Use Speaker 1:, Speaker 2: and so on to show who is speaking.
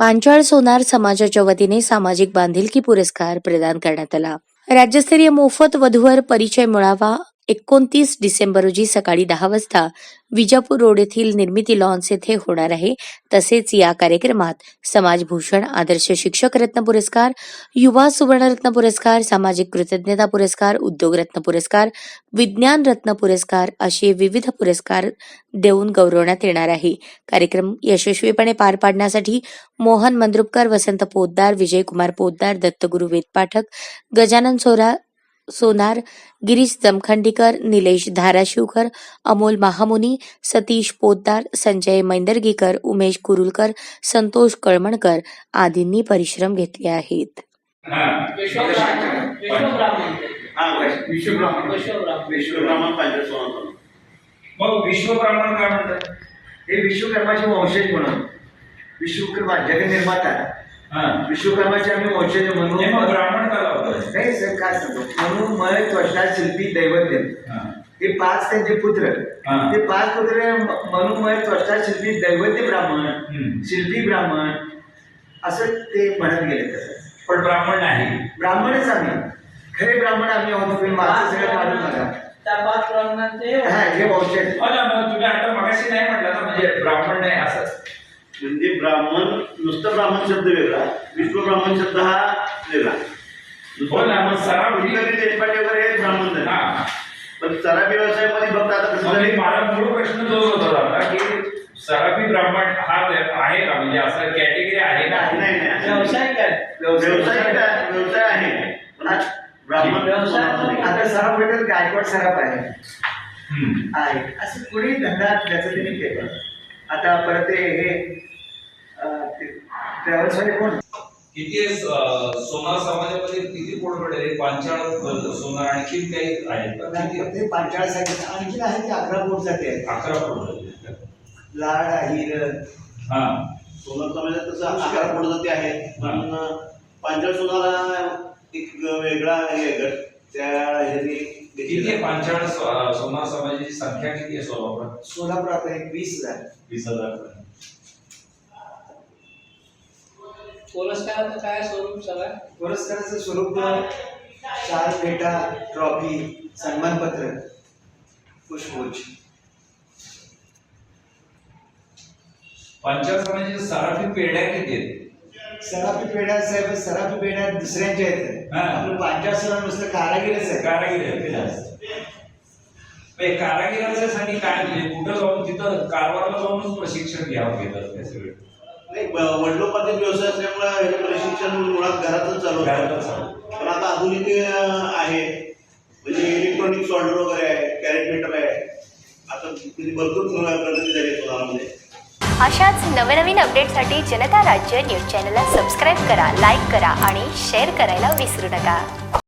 Speaker 1: पांचाळ सोनार समाजाच्या वतीने सामाजिक बांधिलकी पुरस्कार प्रदान करण्यात आला। राज्यस्तरीय मोफत वधूवर परिचय मेळावा 29 डिसेंबर रोजी सकाळी 10 वाजता विजापूर रोड येथील निर्मिती लॉन्स येथे होणार आहे। तसेच या कार्यक्रमात समाजभूषण, आदर्श शिक्षक रत्न पुरस्कार, युवा सुवर्णरत्न पुरस्कार, सामाजिक कृतज्ञता पुरस्कार, उद्योग रत्न पुरस्कार, विज्ञान रत्न पुरस्कार असे विविध पुरस्कार देऊन गौरवण्यात येणार आहे। कार्यक्रम यशस्वीपणे पार पाडण्यासाठी मोहन मंद्रुपकर, वसंत पोद्दार, विजयकुमार पोद्दार, दत्तगुरु वेद पाठक, गजानन सोनार, गिरीश जमखंडीकर, निलेश धाराशिवकर, अमोल महामुनी, सतीश पोद्दार, संजय मैंदर्गीकर, उमेश कुरुलकर, संतोष कळमणकर आदींनी परिश्रम घेतले आहेत।
Speaker 2: विश्वब्राह्मण काय म्हणतात?
Speaker 3: हे विश्वकर्माचे वंशज म्हणून विश्वकर्मा जगनिर्माता विश्वकर्माचे आम्ही वंशज म्हणून
Speaker 2: ब्राह्मण का
Speaker 3: नाही सर, काय सांगतो म्हणून मय त्वष्टा शिल्पी दैवज्ञ हे 5 त्यांचे पुत्र, ते 5 पुत्र म्हणून मय त्वष्टा शिल्पी दैवज्ञ ब्राह्मण, शिल्पी ब्राह्मण असं ते म्हणत गेले। तसं
Speaker 2: पण ब्राह्मण नाही,
Speaker 3: ब्राह्मणच आम्ही खरे ब्राह्मण आम्ही आहोत। तुम्ही माझं सगळं काढून बघा हे वंशज।
Speaker 2: तुम्ही आता मगाशी नाही म्हटलं ना, म्हणजे ब्राह्मण नाही असं
Speaker 4: म्हणजे ब्राह्मण नुसतं ब्राह्मण शब्द वेगळा, विश्वब्राह्मण शब्द हा वेगळा। वगैरे हे ब्राह्मण नाही, पण सराफी व्यवसायामध्ये फक्त आता कसं
Speaker 2: मला मूळ प्रश्न जो होता की सराफी ब्राह्मण हा आहे का, म्हणजे असं कॅटेगरी आहे का?
Speaker 4: नाही नाही, व्यवसाय आहे पण ब्राह्मण
Speaker 3: आता सराफ भेटेल, गायकवाड सराफ आहे असं कुणी धंदा ज्याचं त्यांनी केलं। आता परत हे ट्रॅव्हल्स वाले कोण
Speaker 2: किती सोनार समाजामध्ये किती पोटपडे पांचाळ सोनार आणखी काही आहेत का?
Speaker 3: ते पांचाळ साठी आणखी आहे ते 11 पोट जाते,
Speaker 2: 11 पोट
Speaker 3: लाड हिर
Speaker 4: सोनार समाजात तसं 11 पोट जाती आहे, पण पांचाळ सोनार एक वेगळा हे गट त्या ह्याने
Speaker 2: किती आहे पांचाळ सोनार समाजाची संख्या किती आहे सोलापुरात?
Speaker 3: सोलापुरात 20,000
Speaker 2: 20,000
Speaker 5: पुरस्काराचं काय स्वरूप सगळं?
Speaker 3: पुरस्काराचं स्वरूप 4 पेटा, ट्रॉफी, सन्मानपत्र, पुष्पगुच्छ।
Speaker 2: पांचाळ समाजाची सराफी पेढ्या किती आहेत?
Speaker 3: सराफी पेढ्या साहेब, सराफी पेढ्या दुसऱ्यांच्या आहेत। आपलं पांचाळ सोनार नुसतं कारागिरच आहे।
Speaker 2: कारागिरांसाठी काय म्हणजे कुठं जाऊन तिथं कारवारला जाऊनच प्रशिक्षण घ्यावं घेतात ते सगळे?
Speaker 4: नाही, वडिलोपार्जित व्यवसाय असल्यामुळे हे प्रशिक्षण मुळात घरातच चालू आहे। पण आता आधुनिक आहे, म्हणजे इलेक्ट्रॉनिक सॉल्डर वगैरे आहे, कॅरेट मीटर आहे, आता भरपूर प्रगती झाली सोनारामध्ये।
Speaker 6: अशाच नवनवीन अपडेटसाठी जनता राज्य न्यूज चॅनलला सबस्क्राईब करा, लाईक करा आणि शेअर करायला विसरू नका।